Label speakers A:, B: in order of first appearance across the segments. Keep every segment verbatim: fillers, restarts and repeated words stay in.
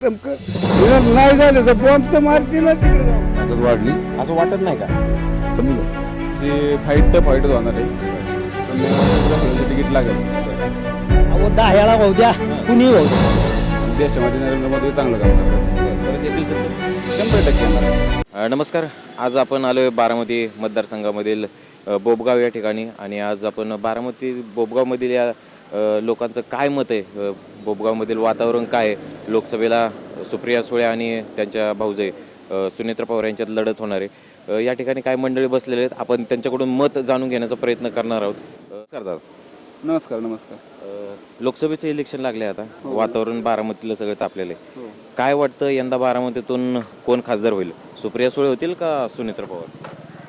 A: नेमकं नाही झालं तर बॉम्ब तर मारते ना तिकडे जाऊन.
B: ताकद वाढली
C: असं वाटत नाही का?
B: कमी झाली.
D: जे फाईट तर फाईटच होणार आहे पण तिकीट लागेल.
E: अहो दह्याला होऊ द्या कुणी होऊ द्या.
D: देशामध्ये नरेंद्र मोदी चांगलं काम करतात.
C: परत येतील सत्तेत.
D: शंभर टक्के येणार आहे.
C: अ, नमस्कार. आज आपण आलोय बारामती मतदारसंघामधील अ, बोबगाव या ठिकाणी आणि आज आपण बारामती बोबगावमधील या अ, लोकांचं काय मत आहे, अ, बोबगावमधील वातावरण काय आहे, लोकसभेला सुप्रिया सुळे आणि त्यांच्या भाऊजाई अ, सुनेत्रा पवार यांच्यात लढत होणार आहे. अ, या ठिकाणी काय मंडळी बसलेले आहेत, आपण त्यांच्याकडून मत जाणून घेण्याचा प्रयत्न करणार आहोत. अ, सर दादा,
D: नमस्कार नमस्कार
C: अ, लोकसभेचे इलेक्शन लागले आता, वातावरण बारामतीला सगळं तापलेलं आहे. काय वाटतं यंदा बारामतीतून कोण खासदार होईल? सुप्रिया सुळे होतील का सुनेत्रा पवार?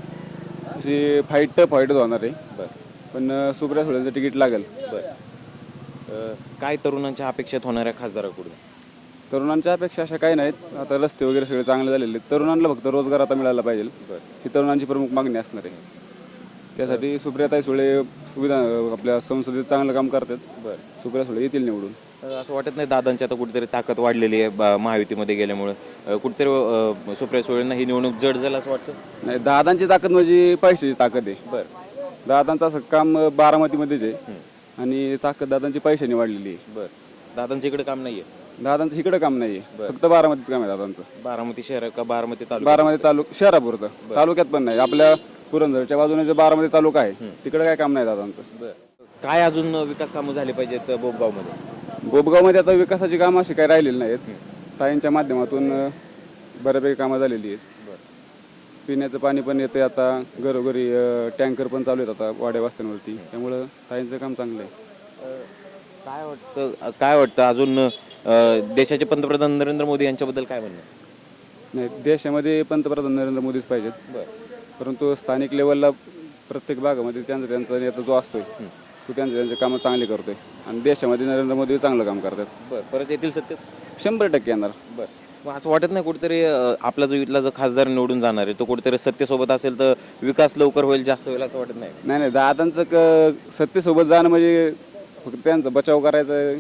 D: अशी फाईट तर फाईटच होणार आहे
C: बरं
D: पण अं, सुप्रिया सुळेंचं तिकीट लागेल.
C: बरं. अ, काय तरुणांच्या अपेक्षेत होणाऱ्या खासदाराकडून?
D: तरुणांच्या अपेक्षा अशा काही नाहीत. आता रस्ते वगैरे सगळे चांगले झालेले आहेत. तरुणांना फक्त रोजगार आता मिळाला पाहिजे ही तरुणांची प्रमुख मागणी असणार आहे. त्यासाठी सुप्रियाताई सुळे सुविधा आपल्या संसदेत चांगलं काम करतात.
C: बरं.
D: सुप्रिया सुळे येतील निवडून.
C: अ, असं वाटत नाही दादांची आता कुठेतरी ताकद वाढलेली आहे बा- महायुतीमध्ये गेल्यामुळे अ, कुठेतरी अ, सुप्रिया सुळेंना ही निवडणूक जड झालं असं वाटतं?
D: नाही, दादांची ताकद म्हणजे पैशाची ताकद आहे.
C: बरं
D: दादांचं असं काम अं, बारामतीमध्येच आहे आणि ताकद दादांची पैशाने वाढलेली आहे.
C: बरं. दादांच्या इकडे काम नाहीये?
D: दादांचं इकडं काम नाही आहे, फक्त बारामतीत काम आहे दादांचं.
C: बारामती शहर का बारामती तालुका?
D: बारामती तालुका शहरापुरतं, तालुक्यात पण नाही. आपल्या पुरंदरच्या बाजूने जे बारामती तालुका आहे तिकडे काय काम नाही दादांचं.
C: बरं. काय अजून विकास कामं झाली पाहिजेत बोबगावमध्ये?
D: बोबगावमध्ये आता विकासाची कामं अशी काही राहिलेली नाहीत. ताईंच्या माध्यमातून अं, बऱ्यापैकी कामं झालेली आहेत. पिण्याचं पाणी पण येते आता घरोघरी, टँकर पण चालू आहेत आता वाड्या वस्त्यांवरती. त्यामुळं ताईंचं काम चांगलं आहे.
C: काय वाटतं काय वाटतं अजून अ, देशाचे पंतप्रधान नरेंद्र मोदी यांच्याबद्दल काय म्हणणं?
D: नाही, देशामध्ये पंतप्रधान नरेंद्र मोदीच पाहिजेत.
C: बरं.
D: परंतु स्थानिक लेवलला प्रत्येक भागामध्ये त्यांचा त्यांचा नेता जो असतोय तो त्यांचे त्यांचे कामं चांगली करतोय आणि देशामध्ये नरेंद्र मोदी चांगलं काम करतात.
C: बरं. परत येतील सत्तेत?
D: शंभर टक्के येणार.
C: बरं. मग असं वाटत नाही कुठेतरी अ, आपला जो इथला जो खासदार निवडून जाणार आहे तो कुठेतरी सत्तेसोबत असेल तर विकास लवकर होईल, जास्त होईल असं वाटत नाही?
D: नाही नाही दादांचं क सत्तेसोबत जाणं म्हणजे फक्त त्यांचा बचाव करायचा आहे.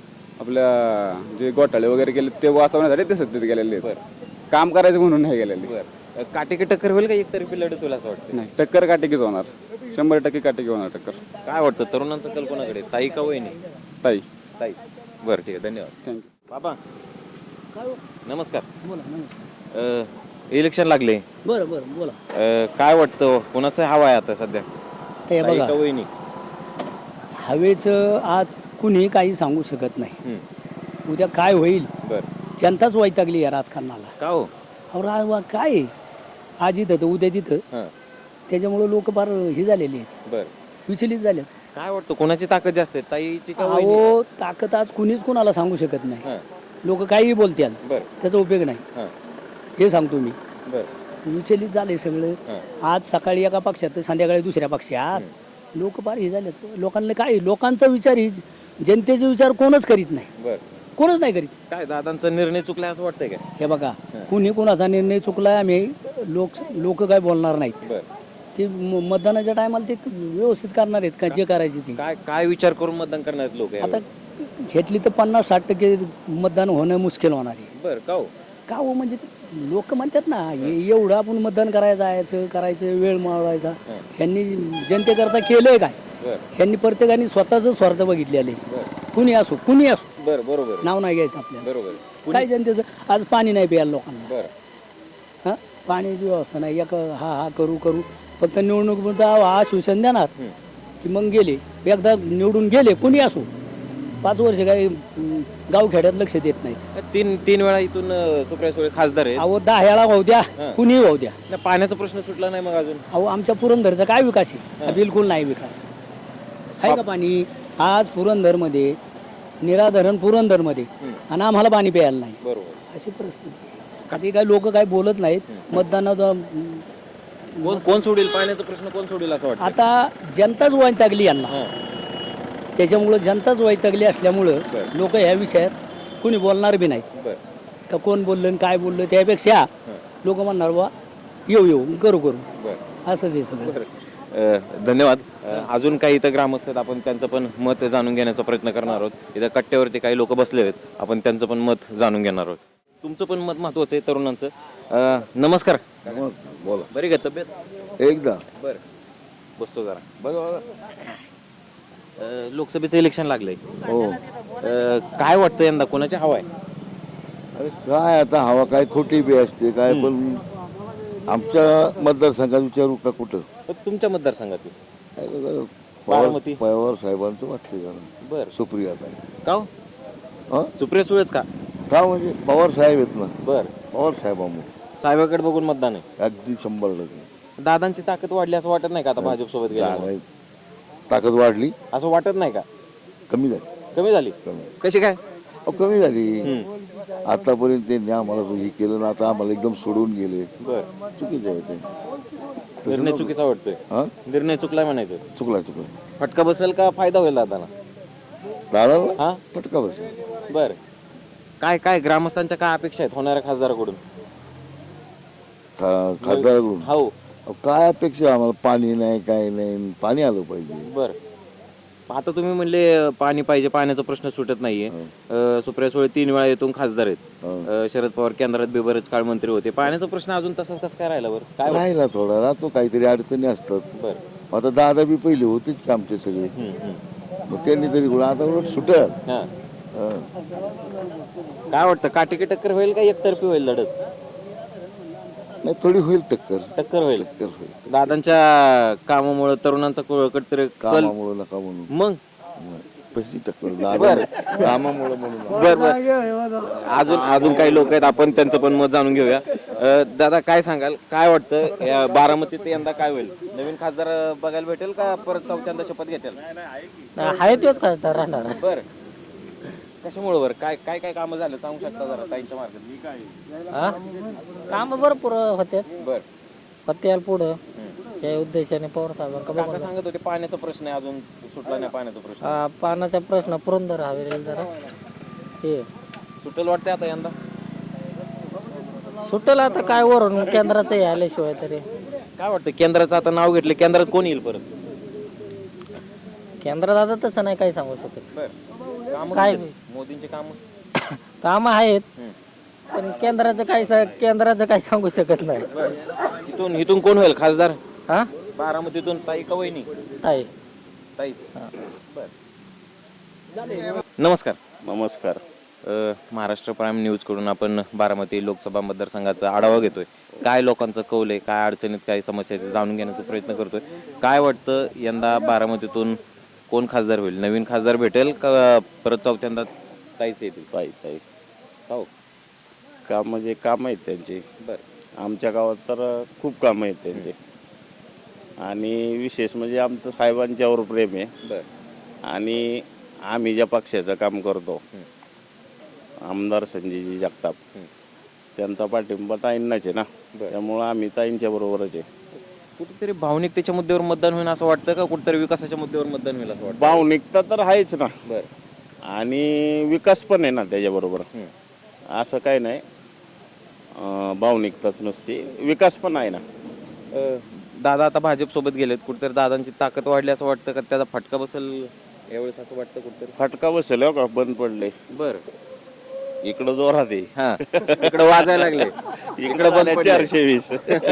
D: आपल्या जे घोटाळे वगैरे केले ते वाचवण्यासाठी ते सत्तेत गेलेले आहेत. काम करायचं म्हणून नाही गेलेले.
C: बरं. काटेकी टक्कर होईल का एकतर्फी लढत होईल असं वाटतं?
D: नाही, टक्कर काटेकीच होणार. शंभर टक्के काटेकी होणार टक्कर.
C: काय वाटतं तरुणांचं कल कोणाकडे, ताई का वहिनी?
D: ताई.
C: ताई. बरं ठीक आहे, धन्यवाद.
D: थँक्यू.
C: बाबा नमस्कार.
E: बोला नमस्कार.
C: अ, इलेक्शन लागले,
E: बरं बरं बोला.
C: अ, काय वाटतं कोणाचं हवा आहे आता सध्या,
E: ते
C: ताई
E: बघा
C: का वहिनी?
E: हवेचं आज कुणी काही सांगू शकत नाही.
C: हं.
E: उद्या काय होईल,
C: बरं.
E: जनताच वैतागली या राजकारणाला.
C: का हो?
E: अहो रा वा- काय आहे? आज इथं तर उद्या तिथं,
C: हां.
E: त्याच्यामुळं लोक फार हे झालेले आहेत,
C: बरं.
E: विचलित झालेत.
C: काय वाटतं कोणाची ताकद जास्त आहे, ताईची का वहिनी?
E: अहो ताकद आज कुणीच कुणाला सांगू शकत नाही.
C: हां.
E: लोक काहीही बोलतील,
C: बरं.
E: त्याचा उपयोग नाही,
C: हां.
E: हे सांगतो मी.
C: बरं.
E: विचलित झाले सगळं.
C: हां.
E: आज सकाळी एका पक्षात तर संध्याकाळी दुसऱ्या पक्षात. लोक फार हे झालेत. लोकांना काय, लोकांचा विचार ही जनतेचा विचार कोणच करीत नाही,
C: बरं.
E: कोणच नाही करीत.
C: काय दादांचा निर्णय चुकला असं वाटतंय का?
E: हे बघा, कुणी कुणाचा निर्णय चुकलाय आम्ही लोक लोक काय बोलणार नाहीत.
C: बरं.
E: ते म- मतदानाच्या टायमाला ते व्यवस्थित करणार आहेत का जे करायचे ते.
C: काय काय विचार करून मतदान करणार आहेत लोक?
E: आता घेतली तर पन्नास साठ टक्के मतदान होणं मुश्किल होणार आहे.
C: बरं. का हो?
E: का हो म्हणजे लोक म्हणतात ना हे एवढं आपण मतदान करायचं जायचं करायचं वेळ मावळायचा. ह्यांनी जनतेकरता केलंय काय?
C: बरं.
E: ह्यांनी प्रत्येकाने स्वतःच स्वार्थ बघितलेले.
C: बरं.
E: कुणी असो कुणी असो,
C: बरं. बरोबर.
E: नाव नाही घ्यायचं आपल्याला.
C: बरोबर.
E: काय जनतेचं आज पाणी नाही प्यायला लोकांना.
C: बरं.
E: हां, पाण्याची व्यवस्था नाही. एक हा हा करू करू फक्त निवडणूक म्हणता हा शिवसेना देणार की मग गेले, एकदा निवडून गेले कुणी असो, पाच वर्ष काही गावखेड्यात लक्ष देत नाही.
C: तीन तीन वेळा इथून अ, सुप्रिया सुळे खासदार आहेत.
E: अहो दह्याला वाहू द्या कुणी वाहू द्या.
C: नाही, पाण्याचा प्रश्न सुटला नाही मग अजून?
E: अहो आमच्या पुरंदरचा काय विकास आहे? हा बिलकुल नाही विकास आहे का? पाणी आज पुरंदरमध्ये निराधरण पुरंदरमध्ये आणि आम्हाला पाणी प्यायला नाही.
C: बरोबर.
E: अशी परिस्थिती. काही काही लोक काय बोलत नाहीत. मतदानात
C: कोण कोण सोडेल पाण्याचा प्रश्न, कोण सोडेल असं वाटतं?
E: आता जनताच वैतागली यांना.
C: हां.
E: त्याच्यामुळं जनताच वैतागली असल्यामुळं
C: बरं.
E: लोक ह्या विषयात कुणी बोलणार बी नाहीत.
C: बरं.
E: का कोण बोललं आणि काय बोललं त्यापेक्षा लोक म्हणणार बा येऊ येऊ करू करू,
C: बरं.
E: असंच आहे सगळं.
C: बरं. अ, धन्यवाद. अ, अजून काही इथं ग्रामस्थ आहेत, आपण त्यांचं पण मत जाणून घेण्याचा प्रयत्न करणार आहोत. इथं कट्ट्यावरती काही लोक बसले आहेत, आपण त्यांचं पण मत जाणून घेणार आहोत. तुमचं पण मत महत्वाचं आहे तरुणांचं. अ, नमस्कार.
B: बोला
C: बरी का तब्येत?
B: एकदा
C: बरं, बसतो जरा.
B: बघा
C: अ, लोकसभेचं इलेक्शन लागलंय.
B: हो
C: अ, काय वाटतं यंदा कोणाची हवा आहे?
B: अरे काय आता हवा काय खोटी बी असते काय पण आमच्या मतदारसंघात विचारू का कुठं
C: तर तुमच्या मतदारसंघातील
B: काय जरा
C: बारामती.
B: पवार पवार साहेबांचं वाटते जरा
C: बरं,
B: सुप्रिया ताई
C: का हो?
B: हं?
C: सुप्रिया सुळेच का?
B: का म्हणजे पवार साहेब आहेत ना
C: बरं,
B: पवार साहेबांमुळे
C: साहेबाकडे बघून मतदान आहे.
B: अगदी शंभर टक्के
C: दादांची ताकद वाढली असं वाटत नाही का आता भाजप सोबत गेल्यामुळे?
B: जागा आहे. ताकद वाढली
C: असं वाटत नाही का?
B: कमी झाली
C: कमी झाली?
B: कमी
C: कशी काय?
B: अहो कमी झाली आतापर्यंत त्यांनी आम्हाला हे केलं ना आता आम्हाला एकदम सोडून गेले
C: बर,
B: चुकीचे आहे ते
C: निर्णय चुकीचा वाटतोय.
B: हा
C: निर्णय चुकलाय म्हणायचं.
B: चुकला चुकला
C: फटका बसेल का फायदा होईल दादाला?
B: दादाला
C: हा,
B: फटका बसेल
C: बर. काय काय ग्रामस्थांच्या काय अपेक्षा आहेत होणाऱ्या खासदाराकडून?
B: खा खासदाराकडून
C: हो,
B: अहो, काय अपेक्षा आम्हाला पाणी नाही काय नाही पाणी आलं पाहिजे
C: बर. आता तुम्ही म्हणले पाणी पाहिजे, पाण्याचा प्रश्न सुटत नाहीये. अ, सुप्रिया सुळे तीन वेळा येथून खासदार आहेत.
B: हो.
C: अ, शरद पवार केंद्रात बी बरेच काळ मंत्री होते. पाण्याचा प्रश्न अजून तसाच कसं काय राहिला बरं? काय वाटतं?
B: राहिला थोडा राहतो काहीतरी अडचणी असतात
C: बर.
B: आता दादा बी पहिले होतेच की आमचे सगळे
C: हम्म, हम्म.
B: मग त्यांनी तरी गुण आता उलट सुटल
C: हा.
B: हं.
C: काय वाटतं, काटेकी टक्कर होईल का एकतर्फी होईल लढत?
B: नाही थोडी होईल टक्कर
C: टक्कर होईल.
B: टक्कर होईल
C: दादांच्या कामामुळे तरुणांचा कुठतरी कल.
B: कामामुळे नका म्हणून
C: मग
B: तशी टक्कर दादा कामामुळे म्हणून
C: बर बर. अजून अजून काही लोक आहेत, आपण त्यांचं पण मत जाणून घेऊया. अ, दादा काय सांगाल, काय वाटतं या बारामतीत यंदा काय होईल? नवीन खासदार बघायला भेटेल का परत चौथ्यांदा शपथ घेतील?
E: आहे तोच खासदार राहणार.
C: बर, कशामुळे बरं? काय काय काय कामं झालं सांगू शकता जरा ताईंच्या मार्गात?
E: हा काम भरपूर होते
C: बर.
E: होते पुढं या उद्देशाने पवार साहेबांका
C: काका सांगत होते पाण्याचा प्रश्न आहे, अजून सुटला नाही पाण्याचा प्रश्न.
E: हा, पाण्याचा प्रश्न पुरंदर हवेली जरा हे
C: सुटेल वाटतंय आता यंदा?
E: सुटेल आता काय वरून केंद्राचं आल्याशिवाय तरी.
C: काय वाटतं केंद्राचं आता नाव घेतलं, केंद्रात कोण येईल परत?
E: केंद्रात आता तसं नाही काही सांगू शकत.
C: बर. कामं
E: काय?
C: कशी आहेत? मोदींचे काम
E: काम आहेत पण केंद्राचं काय सा- केंद्राचं काही सांगू शकत नाही.
C: इथून इथून कोण होईल खासदार
E: हा
C: बारामतीतून? ताई का वहिनी?
E: ताई
C: ताईच. बर. नमस्कार.
F: नमस्कार.
C: अ, महाराष्ट्र प्राईम न्यूज कडून आपण बारामती लोकसभा मतदारसंघाचा आढावा घेतोय. काय लोकांचं कौल आहे, काय अडचणीत काय समस्या आहेत, जाणून घेण्याचा प्रयत्न करतोय. काय वाटतं यंदा बारामतीतून कोण खासदार होईल? नवीन खासदार भेटेल का परत चौथ्यांदा ताईच येतील?
F: ताई ताई
C: हो,
F: काम म्हणजे काम आहेत त्यांचे.
C: बर.
F: आमच्या गावात तर खूप कामं आहेत त्यांचे आणि विशेष म्हणजे आमचं साहेबांच्यावर प्रेम आहे
C: बर.
F: आणि आम्ही ज्या पक्षाचं काम करतो आमदार संजयजी जगताप त्यांचा पाठिंबा ताईंनाच आहे ना, त्यामुळं आम्ही ताईंच्या बरोबरच आहे.
C: कुठेतरी भावनिकतेच्या मुद्द्यावर मतदान होईल असं वाटतं का कुठेतरी विकासाच्या मुद्द्यावर मतदान होईल असं वाटतं?
F: भावनिकता तर आहेच ना
C: बर.
F: आणि विकास पण आहे ना त्याच्याबरोबर. असं काय नाही अं, भावनिकताच नसते, विकास पण आहे ना.
C: अ, दादा आता भाजप सोबत गेलेत, कुठेतरी दादांची ताकद वाढली असं वाटतं का त्याचा फटका बसेल यावेळेस असं वाटतं कुठेतरी?
F: फटका बसेल हो का, बंद पडले
C: बर.
F: इकडं जोरात आहे.
C: हा, इकडे वाजायला लागले, इकडे बंद पडले.
F: चारशे वीस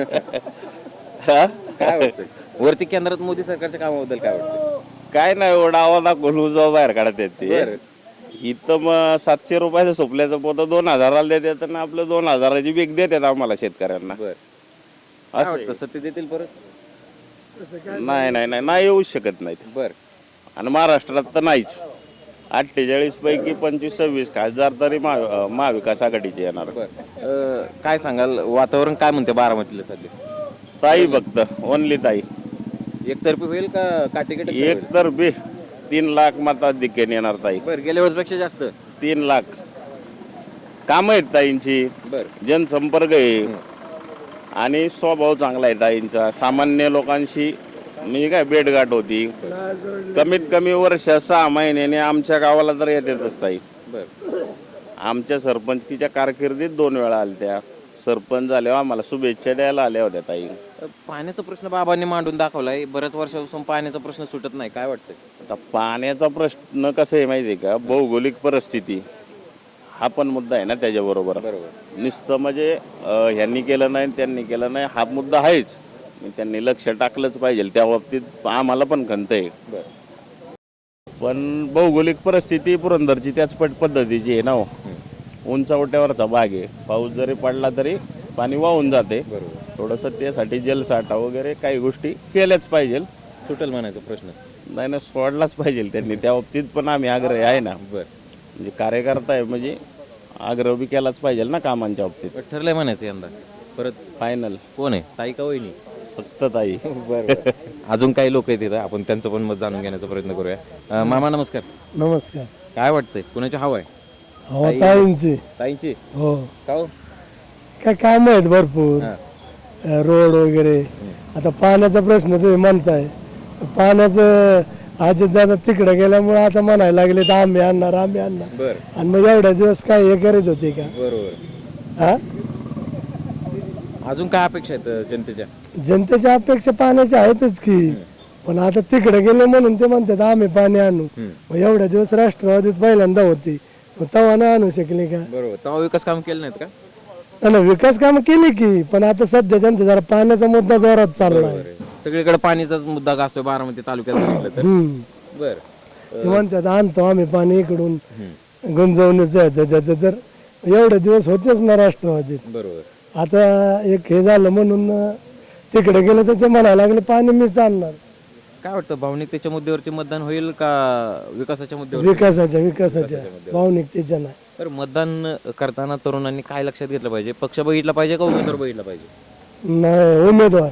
C: काय वाटतं वरती केंद्रात मोदी सरकारच्या कामाबद्दल काय वाटतं?
F: काय नाही एवढा आवाज दाखवून जो बाहेर काढत येत ते
C: बरं.
F: इथं मग सातशे रुपयाचं सोपल्याचं पोतं दोन हजाराला देतात आणि आपलं दोन हजाराची बेग देतात आम्हाला शेतकऱ्यांना.
C: बर. काय
F: असं
C: वाटतं सत्य देतील परत?
F: नाही नाही नाही नाही येऊ शकत नाहीत
C: बर.
F: आणि महाराष्ट्रात तर नाहीच. अठ्ठेचाळीस पैकी पंचवीस सव्वीस खासदार तरी महा महाविकास आघाडीचे येणार.
C: बर. अ, काय सांगाल वातावरण काय म्हणते बारामतीला सध्या?
F: ताई फक्त ओनली ताई.
C: एकतर्फी होईल का काटेकी?
F: एक तर बे तीन लाख मताधिक्याने येणार ताई.
C: बर. गेल्या वेळेस पेक्षा जास्त?
F: तीन लाख काम आहेत ताईंची,
C: बर.
F: जनसंपर्क आहे आणि स्वभाव चांगला आहे ताईंचा. सामान्य लोकांशी म्हणजे काय भेटगाठ होती. कमीत कमी वर्ष सहा महिन्याने आमच्या गावाला तर येतातच ताई.
C: बर.
F: आमच्या सरपंचकीच्या कारकिर्दीत दोन वेळा आल्या त्या. सरपंच झाल्यावर आम्हाला शुभेच्छा द्यायला आल्या होत्या ताई.
C: अ, पाण्याचा प्रश्न बाबांनी मांडून दाखवलाय, बऱ्याच वर्षापासून पाण्याचा प्रश्न सुटत नाही, काय वाटतंय?
F: आता पाण्याचा प्रश्न कसं आहे माहिती आहे का, भौगोलिक परिस्थिती हा पण मुद्दा आहे ना त्याच्याबरोबर.
C: बरोबर.
F: नुसतं म्हणजे अं, ह्यांनी केलं नाही त्यांनी केलं नाही हा मुद्दा आहेच. मग त्यांनी लक्ष टाकलंच पाहिजे त्या बाबतीत, आम्हाला पण खंत आहे. पण भौगोलिक परिस्थिती पुरंदरची त्याच पट पद्धतीची आहे ना हो. उंचावट्यावरचा भाग आहे, पाऊस जरी पडला तरी पाणी वाहून जाते. थोडंसं त्यासाठी जलसाठा वगैरे काही गोष्टी केल्याच पाहिजे.
C: सुटेल म्हणायचा प्रश्न.
F: नाही ना, सोडलाच पाहिजे त्यांनी, त्या बाबतीत पण आम्ही आग्रही आहे ना.
C: बर,
F: म्हणजे कार्यकर्ता आहे म्हणजे आग्रह बी केलाच पाहिजे ना कामांच्या बाबतीत.
C: ठरलंय म्हणायचं यंदा परत
F: फायनल
C: कोण आहे, ताई का वहिनी?
F: फक्त ताई.
C: बरं. अजून काही लोक आहेत तिथं, आपण त्यांचं पण मत जाणून घेण्याचा प्रयत्न करूया. अ, मामा नमस्कार.
A: नमस्कार.
C: काय वाटतंय, कुणाची हवा आहे?
A: हो ताईंची.
C: ताईंची?
A: हो
C: का हो?
A: काय काम आहेत भरपूर,
C: हा.
A: रोड वगैरे. आता पाण्याचा प्रश्न तुम्ही म्हणताय, पाण्याचं आज दादा तिकडे गेल्यामुळे आता म्हणायला लागले तर आम्ही आणणार आम्ही आणणार.
C: बर,
A: आणि मग एवढ्या दिवस काय हे करत होते का?
C: बरोबर.
A: हा,
C: अजून काय अपेक्षा आहेत जनतेच्या?
A: जनतेच्या अपेक्षा पाण्याच्या आहेतच की, पण आता तिकडे गेले म्हणून ते म्हणतात आम्ही पाणी आणू. मग एवढ्या दिवस राष्ट्रवादीत पहिल्यांदा होती, मग तेव्हा नाही आणू शकले का?
C: बरोबर. तेव्हा विकास काम केलं नाहीत का?
A: आणि विकास कामं केली की, पण आता सध्या त्यांचा जरा पाण्याचा मुद्दा जोरात चालला आहे.
C: सगळीकडे पाणीचाच मुद्दा गाजतोय बारामती तालुक्यात म्हटलं तर.
A: हम्म.
C: बर,
A: ते म्हणतात आणतो आम्ही पाणी इकडून गुंजवणीचं ह्याचं त्याचं, तर एवढे दिवस होतेच ना राष्ट्रवादीत.
C: बरोबर.
A: आता एक हे झालं म्हणून तिकडे गेलं तर ते म्हणायला लागले पाणी मीच आणणार.
C: काय वाटतं, भावनिकतेच्या मुद्द्यावरती मतदान होईल का विकासाच्या मुद्द्यावर?
A: विकासाच्या विकासाच्या भावनिकतेच्या नाही.
C: तर मतदान करताना तरुणांनी काय लक्षात घेतलं पाहिजे? पक्ष बघितला पाहिजे का उमेदवार बघितला पाहिजे?
A: नाही, उमेदवार.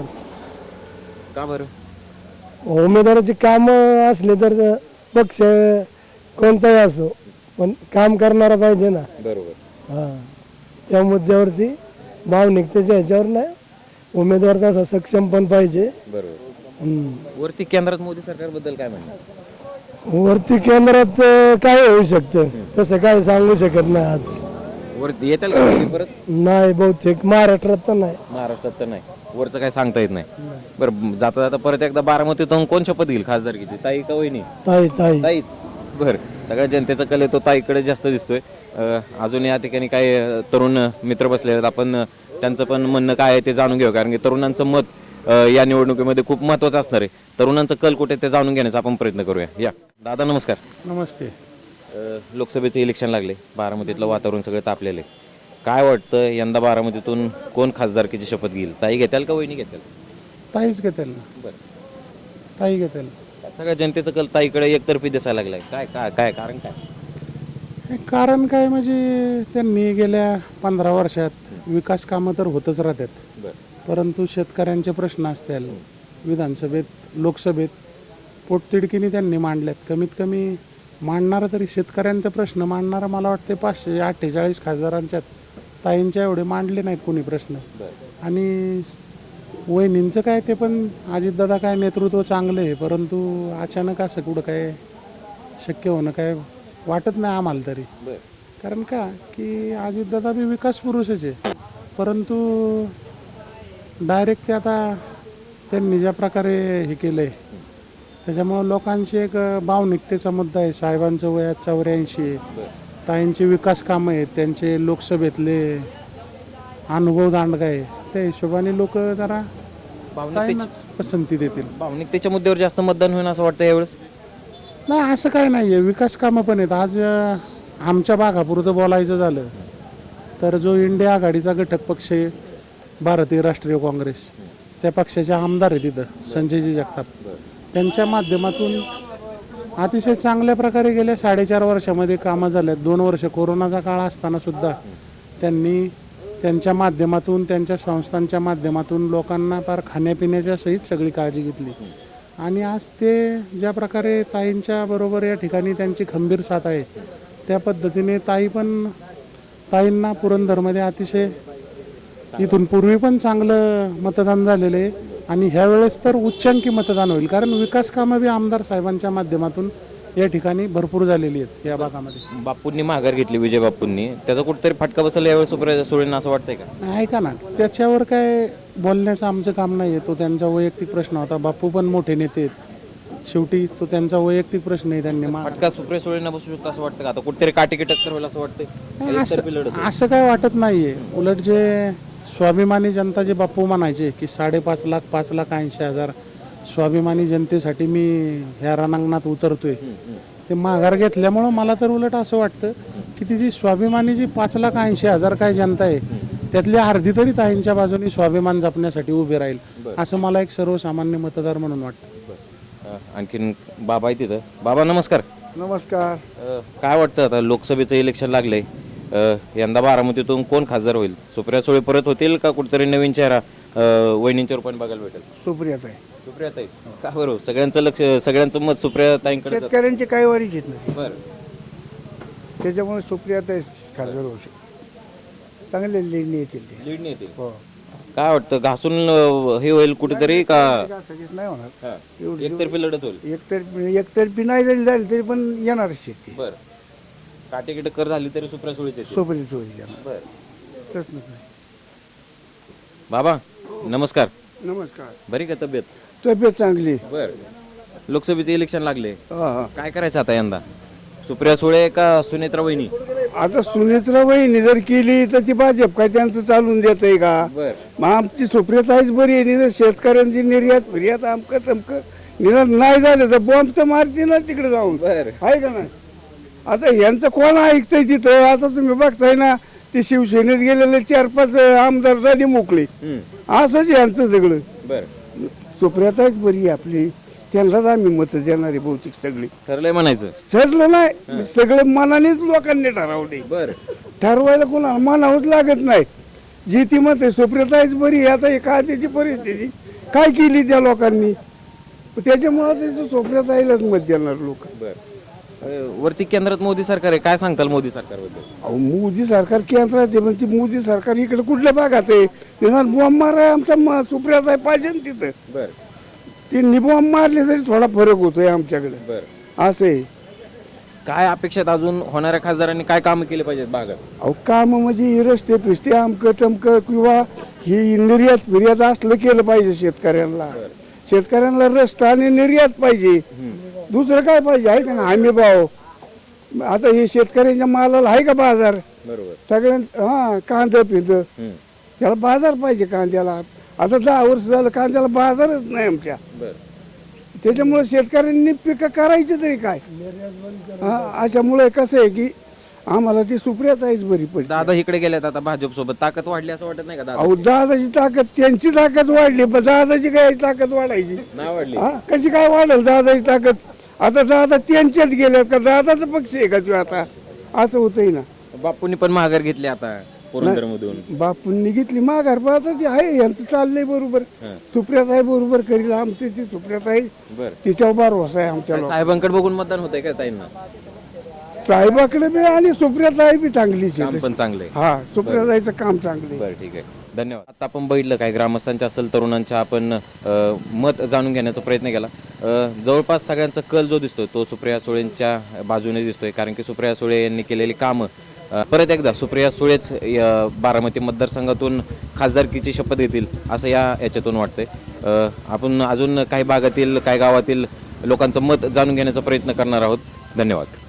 C: का बरं?
A: उमेदवाराची कामं असले तर पक्ष कोणताही असो, पण काम करणारा पाहिजे ना.
C: बरोबर.
A: हा, त्या मुद्द्यावरती भावनिकतेच्या ह्याच्यावर नाही, उमेदवार तसा सक्षम पण पाहिजे.
C: बरोबर.
A: हम्म.
C: वरती केंद्रात मोदी सरकारबद्दल काय म्हणणं?
A: वरती केंद्रात काय होऊ शकतं तसं काय सांगू शकत नाही आज.
C: वरती येतील का मोदी परत?
A: नाही, बहुतेक महाराष्ट्रात तर नाही.
C: महाराष्ट्रात तर नाही, वरचं काय सांगता येत नाही. बरं, जाता जाता परत एकदा बारामतीतून कोण शपथ घेईल खासदारकीची, ताई का वहिनी?
A: ताई ताई
C: ताईच. बरं, सगळ्या जनतेचा कल आहे तो ताईकडे जास्त दिसतोय. अं, अजून या ठिकाणी काही अं, तरुण मित्र बसले आहेत, आपण अं, त्यांचं पण म्हणणं काय आहे ते जाणून घेऊ, कारण की तरुणांचं मत अं, या निवडणुकीमध्ये खूप महत्त्वाचं असणार आहे. तरुणांचं कल कुठे ते जाणून घेण्याचा आपण प्रयत्न करूया. या दादा नमस्कार.
A: नमस्ते.
C: अं, लोकसभेचे इलेक्शन लागले, बारामतीतलं वातावरण सगळं तापलेलं आहे. काय वाटतं, यंदा बारामतीतून कोण खासदारकीची शपथ घेईल? ताई घेताल का वहिनी घेताल?
A: ताईच घेतील ना.
C: बरं,
A: ताई घेतील.
C: सगळ्या जनतेचं कल ताईकडे एकतर्फी दिसायला लागलाय. काय काय काय कारण काय?
A: कारण काय म्हणजे त्यांनी गेल्या पंधरा वर्षात विकास कामं तर होतच राहतात,
C: बरं,
A: परंतु शेतकऱ्यांचे प्रश्न असतील विधानसभेत लोकसभेत पोटतिडकीने त्यांनी मांडल्यात. कमीत कमी मांडणारा तरी शेतकऱ्यांचा प्रश्न मांडणारा मला वाटते पाचशे अठ्ठेचाळीस खासदारांच्यात ताईंच्या एवढे मांडले नाहीत कोणी प्रश्न. आणि वहिनींचं काय ते पण अजितदादा काय नेतृत्व चांगलं आहे, परंतु अचानक असं कुठं काय शक्य होणं काय वाटत नाही आम्हाला तरी. कारण का की अजितदादा बी विकास पुरुषच आहे, परंतु डायरेक्ट ते आता त्यांनी ज्या प्रकारे हे केलं आहे त्याच्यामुळं लोकांची एक भावनिकतेचा मुद्दा आहे. साहेबांचं वय चौऱ्याऐंशी आहे, ताईंचे विकास कामं आहेत, त्यांचे लोकसभेतले अनुभव दांडगा आहे, त्या हिशोबाने लोक जरा ताईंनाच पसंती देतील.
C: भावनिकतेच्या मुद्द्यावर जास्त मतदान होईल असं वाटतं यावेळेस?
A: नाही, असं काय नाही आहे, विकास कामं पण आहेत. आज अं, आमच्या भागापुरतं बोलायचं झालं तर जो इंडिया आघाडीचा घटक पक्ष आहे भारतीय राष्ट्रीय काँग्रेस, त्या पक्षाचे आमदार आहे तिथं संजयजी जगताप, त्यांच्या माध्यमातून अतिशय चांगल्या प्रकारे गेल्या साडेचार वर्षामध्ये कामं झाल्यात. दोन वर्ष कोरोनाचा काळ असताना सुद्धा त्यांनी त्यांच्या माध्यमातून त्यांच्या संस्थांच्या माध्यमातून लोकांना फार खाण्यापिण्याच्या सहित सगळी काळजी घेतली. आणि आज ते ज्या प्रकारे ताईंच्या बरोबर या ठिकाणी त्यांची खंबीर साथ आहे, त्या पद्धतीने ताई पण ताईंना पुरंदरमध्ये अतिशय इथून पूर्वी पण चांगलं मतदान झालेलं आहे आणि ह्या वेळेस तर उच्चांकी मतदान होईल. कारण विकास कामं बी आमदार साहेबांच्या माध्यमातून या ठिकाणी भरपूर झालेली आहेत या भागामध्ये.
C: बापूंनी माघार घेतली, विजय बापूंनी, त्याचा कुठेतरी फटका बसला यावेळी सुप्रिया सुळेंना असं वाटतंय का?
A: नाही, ऐका ना, त्याच्यावर काय बोलण्याचं आमचं काम नाही आहे. तो त्यांचा वैयक्तिक प्रश्न होता. बापू पण मोठे नेते आहेत, शेवटी तो त्यांचा वैयक्तिक प्रश्न आहे. त्यांनी मा-
C: फटका सुप्रिया सुळेंना बसू शकतो असं वाटतं का? आता कुठेतरी काटेकी टक्कर होईल असं वाटतंय?
A: नाही,
C: एकतर्फी लढत
A: असं
C: होईल.
A: असं काय वाटत नाहीये. उलट जे स्वाभिमानी जनता जे बापू म्हणायचे की साडेपाच लाख पाच लाख ऐंशी हजार स्वाभिमानी जनतेसाठी मी ह्या रणांगणात उतरतोय, ते माघार घेतल्यामुळं मला तर उलट असं वाटतं की ती जी स्वाभिमानी जी पाच लाख ऐंशी हजार काय जनता आहे त्यातली अर्धी तरी ताईंच्या बाजूने स्वाभिमान जपण्यासाठी उभी राहील, असं मला एक सर्वसामान्य मतदार म्हणून वाटतं.
C: अं, आणखीन बाबा आहे तिथं. बाबा नमस्कार.
G: नमस्कार.
C: अं, काय वाटतं आता लोकसभेचं इलेक्शन लागलंय, अं, यंदा बारामतीतून कोण खासदार होईल? सुप्रिया सुळे परत होतील का कुठेतरी नवीन चेहरा अं, वहिनींच्या रूपाने बघायला भेटेल?
G: सुप्रियाताई.
C: सुप्रियाताई का बरं? सगळ्यांचं लक्ष, सगळ्यांचं मत सुप्रियाताईंकडे जातं.
G: शेतकऱ्यांची काही वारीच येत नाही,
C: बरं.
G: त्याच्यामुळे सुप्रियाताई खासदार होऊ शकते. चांगले निर्णय येतील ते.
C: लीड नाही येतील.
G: हो.
C: काय वाटतं, घासून अं, हे होईल कुठेतरी का
G: सगळीच नाही होणार.
C: हा.
G: एवढी-
C: एकतर्फी लढत होईल?
G: एकतर्फी एकतर्फी नाही जरी झाली तरी पण येणारच शेती.
C: बरं. काटेकी टक्कर झाली तरी सुप्रिया सुळेच येतील.
G: सुप्रिया होईल येणार,
C: बरं.
G: प्रश्नच नाही.
C: बाबा नमस्कार.
G: नमस्कार.
C: बरी का तब्येत?
G: तब्येत चांगली.
C: बर. लोकसभेचे इलेक्शन लागले,
G: हा, हा.
C: काय करायचं आता यंदा? सुप्रिया सुळे का सुनेत्रा वहिनी?
G: आता सुनेत्रा वहिनी जर केली तर ती भाजप काय त्यांचं चालून देत आहे का?
C: बर.
G: मग आमची सुप्रियाताईच बरी आहे. निधन शेतकऱ्यांची निर्यात फिर्यात आमकं तमकं निधन नाही झालं तर बॉम्ब तर मारते ना तिकडे जाऊन,
C: बर.
G: आहे का नाही? आता यांचं कोण ऐकतंय तिथं? आता तुम्ही बघताय ना, ते शिवसेनेत गेलेले चार पाच आमदार झाली मोकळे. असंच यांचं सगळं.
C: बर.
G: सुप्रियाताईच बरी आहे आपली, त्यांनाच आम्ही मत देणारे बहुतेक सगळी.
C: ठरलंय म्हणायचं?
G: ठरलं नाही, सगळं मनानेच लोकांनी ठरवले.
C: बर.
G: ठरवायला कोणाला म्हणावंच लागत नाही. जी ती मत आहे सुप्रियाताईच बरी आहे. आता एका त्याची परिस्थिती काय केली त्या लोकांनी, त्याच्यामुळे त्याचं सुप्रियाताईलाच मत देणार लोक.
C: बर. अं, वरती केंद्रात मोदी सरकार आहे, काय सांगताल मोदी सरकारबद्दल?
G: अहो, मोदी सरकार केंद्रात आहे, पण ती मोदी सरकार इकडे कुठल्या भागात आहे? निदान बॉम्ब मारा आमचा म- सुप्रियाताई पाहिजे ना तिथं.
C: बर.
G: ते निबॉम्ब मारले तरी थोडा फरक होतोय आमच्याकडे,
C: बर.
G: असं आहे.
C: काय अपेक्षित अजून होणाऱ्या खासदारांनी काय कामं केली पाहिजेत भागात?
G: अहो काम म्हणजे हे रस्ते फिस्ते आमकं तमकं किंवा ही निर्यात फिर्यात असलं केलं पाहिजे शेतकऱ्यांना. शेतकऱ्यांना रस्ता आणि निर्यात पाहिजे, दुसरं काय पाहिजे? आहे का ना हमी भाव? आता हे शेतकऱ्यांच्या मालाला आहे का बाजार?
C: बरोबर.
G: सगळ्यां हा कांदा पिंद त्याला बाजार पाहिजे कांद्याला. आता दहा वर्ष झालं कांद्याला बाजारच नाही आमच्या.
C: बर.
G: त्याच्यामुळे शेतकऱ्यांनी पिकं करायची तरी काय? हा, अशामुळे कसं आहे की आम्हाला ती सुप्रियाताईच बरी पडली.
C: दादा इकडे गेल्यात आता भाजप सोबत, ताकद वाढली असं वाटत नाही का दादा?
G: अहो, दादाची ताकद, त्यांची ताकद वाढली, पण दादाची काय ताकद वाढायची?
C: नाही वाढली.
G: हा, कशी काय वाढेल दादाची ताकद? आता दादा त्यांच्यात गेल्यात का? दादाचा पक्ष आहे का तो आता? असं होतंय ना.
C: बापूंनी पण माघार घेतली आता पुरंदर मधून.
G: बापूंनी घेतली माघार, पण आता ती आहे यांचं चाललंय बरोबर. सुप्रियाताई बरोबर करील आमची ती सुप्रियाताई,
C: बर.
G: तिच्यावर भरोसा आहे आमच्या लोक.
C: साहेबांकडे बघून मतदान होतंय का ताईंना?
G: साहेबाकडे बी आणि सुप्रियाताई बी चांगलीच
C: काम
G: आहे.
C: पण चांगले.
G: हा, सुप्रियाताईचं काम चांगलं आहे.
C: बरं, ठीक आहे, धन्यवाद. आता आपण बघितलं काय ग्रामस्थांच्या असेल तरुणांच्या आपण अ, मत जाणून घेण्याचा प्रयत्न केला. अ, जवळपास सगळ्यांचा कल जो दिसतोय तो सुप्रिया सुळेंच्या बाजूने दिसतोय, कारण की सुप्रिया सुळे यांनी केलेली कामं अ, परत एकदा सुप्रिया सुळेच या बारामती मतदारसंघातून खासदारकीची शपथ घेतील असं या याच्यातून वाटतंय. अ, आपण अजून काही भागातील काही गावातील लोकांचं मत जाणून घेण्याचा प्रयत्न करणार आहोत. धन्यवाद.